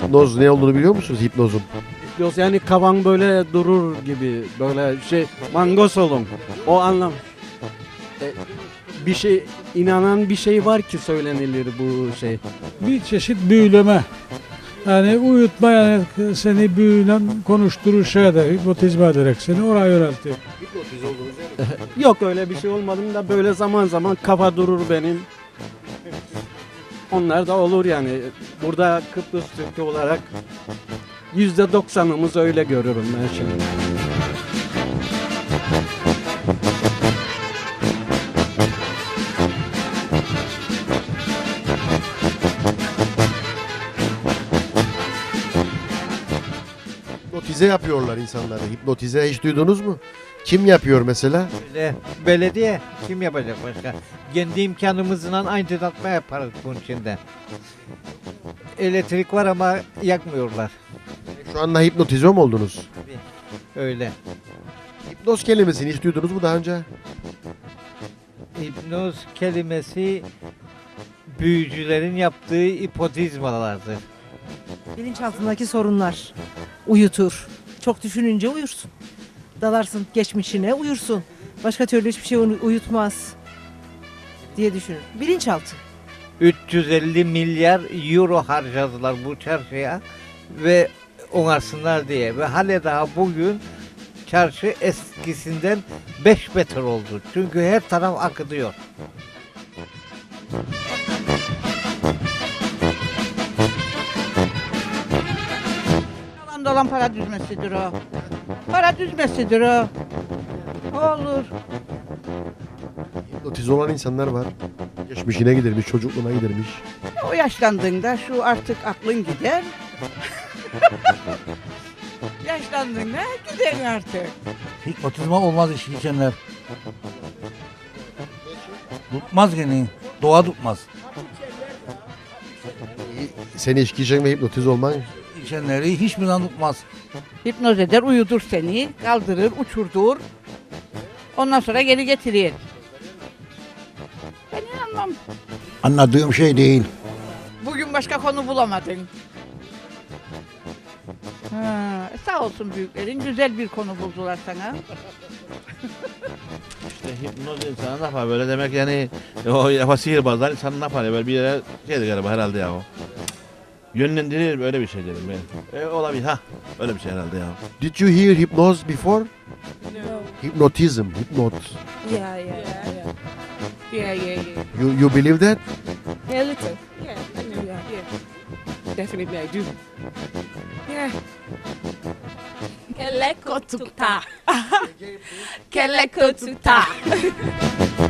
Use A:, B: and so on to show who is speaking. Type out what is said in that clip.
A: hipnoz ne olduğunu biliyor musunuz hipnozun?
B: Yani kavan böyle durur gibi böyle mangos olun. O anlam. Bir şey inanan bir şey var ki söylenilir bu şey.
C: Bir çeşit büyüleme. Yani uyutma, yani seni büyülen konuşturur şeyde, hipnotizme ederek seni oraya yöneltir.
B: Yok öyle bir şey olmadım da böyle zaman zaman kafa durur benim. Onlar da olur yani. Burada Kıbrıs Türk'ü olarak %90'ımız öyle görüyorum ben şimdi.
A: Hipnotize yapıyorlar insanları. Hipnotize hiç duydunuz mu? Kim yapıyor mesela?
D: Belediye kim yapacak başka? Kendi imkanımızla aydınlatma yaparız bunun içinde. Elektrik var ama yakmıyorlar.
A: Şu anda hipnotize mi oldunuz?
D: Öyle.
A: Hipnoz kelimesini hiç duydunuz mu daha önce?
D: Hipnoz kelimesi büyücülerin yaptığı hipnotizmalardır.
E: Bilinçaltındaki sorunlar uyutur. Çok düşününce uyursun. Dalarsın geçmişine uyursun. Başka türlü hiçbir şey uyutmaz diye düşünür. Bilinçaltı.
D: 350 milyar euro harcadılar bu çarşıya ve onarsınlar diye. Ve hala daha bugün çarşı eskisinden 5 metre oldu. Çünkü her taraf akıtıyor.
F: Yalan dolan para düzmesidir o. Para düzmesidir o. Olur.
A: Hipnotize olan insanlar var. Geçmişine gidermiş, çocukluğuna gidermiş.
F: O yaşlandığında şu artık aklın gider. Yaşlandığında gider artık.
G: Hipnotizma olmaz iş içenler. Tutmaz gene. Doğa tutmaz.
A: Seni içki içen ve hipnotize olman
G: İçenleri hiçbir zaman tutmaz.
F: Hipnoz eder, uyudur seni, kaldırır, uçurdur. Ondan sonra geri getirir. Ben inanmam.
H: Anladığım şey değil.
F: Bugün başka konu bulamadın. Sağ olsun büyüklerin, güzel bir konu buldular sana.
I: İşte hipnoz insanı ne yapar böyle demek yani o sihirbazlar insanı ne yapar ya böyle bir yere şeydi galiba herhalde ya o. Yönlendirir böyle bir şey dedim ben. Olabilir ha öyle bir şey herhalde ya.
A: Did you hear hypnosis before?
J: No.
A: Hypnotism, hypnot.
J: Yeah.
A: You believe that?
J: Yeah, a little. Yeah, I know that. Yeah. Definitely I do. Yeah. Keleko tukta. Keleko tukta.